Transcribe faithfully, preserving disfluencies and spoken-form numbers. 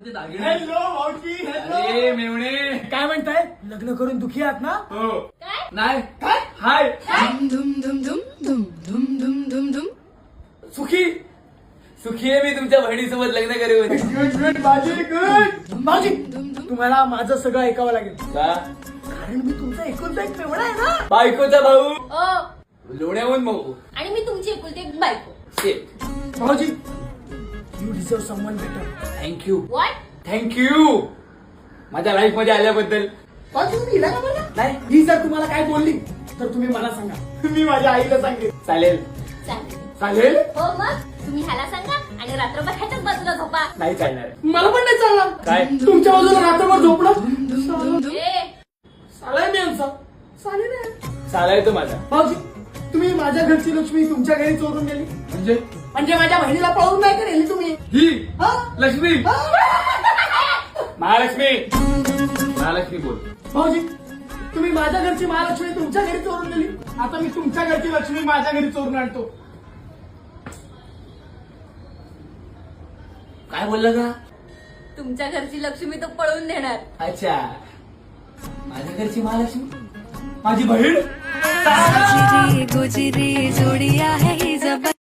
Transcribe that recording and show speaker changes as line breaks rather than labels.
Hello मावशी.
अरे मेवणे,
काय म्हणताय? लग्न करून दुखी आहात ना?
हो
काय
नाही
काय?
हाय
धुम धुम धुम धुम धुम धुम धुम धुम
सुखी सुखी आहे मी तुमच्या बहिणीसोबत लग्न करेन.
गुड गुड बाजी गुड. भाऊजी तुम्हाला माझं सगळं ऐकावं लागेल,
का?
कारण मी तुमचा एकुलता एक मेवणा आहे ना.
बायकोचा भाऊ
ओ
लोण्याहून भाऊ
आणि मी तुमची एकुलती एक बायको.
शेट.
भाऊजी you deserve someone better.
Thank you
what?
Thank you माझ्या लाईफ मध्ये आल्याबद्दल.
भाऊजी तुम्ही हिला का बोलला?
नाही
ही जर तुम्हाला काय बोलली तर तुम्ही मला सांगा, मी माझ्या आईला सांगेन.
चालेल
चालेल.
चालेल?
हो मग तुम्ही ह्याला सांगा आणि रात्रभर ह्याच्याच बाजूला झोपा.
नाही चालणार.
मला पण नाही चालणार.
काय?
तुमच्या बाजूला रात्रभर झोपणं
ए
चालेल मी यांचा चालेल ना.
चालाय तो माझा.
भाऊजी तुम्ही माझ्या घरची लक्ष्मी तुमच्या घरी चोरून गेली
म्हणजे
म्हणजे माझ्या बहिणीला पळवून नाही का नेली तुम्ही?
ही
हा?
लक्ष्मी
हा?
महालक्ष्मी महालक्ष्मी बोल.
भाऊजी तुम्ही माझ्या घरची महालक्ष्मी तुमच्या घरी चोरून गेली, आता मी तुमच्या घरची लक्ष्मी माझ्या घरी चोरून आणतो.
काय बोलला का?
तुमच्या घरची लक्ष्मी तो पळवून नेणार.
अच्छा माझ्या घरची महालक्ष्मी माझी बहीण.
गुजरी गुजरी जोड़ी आहे ही जबर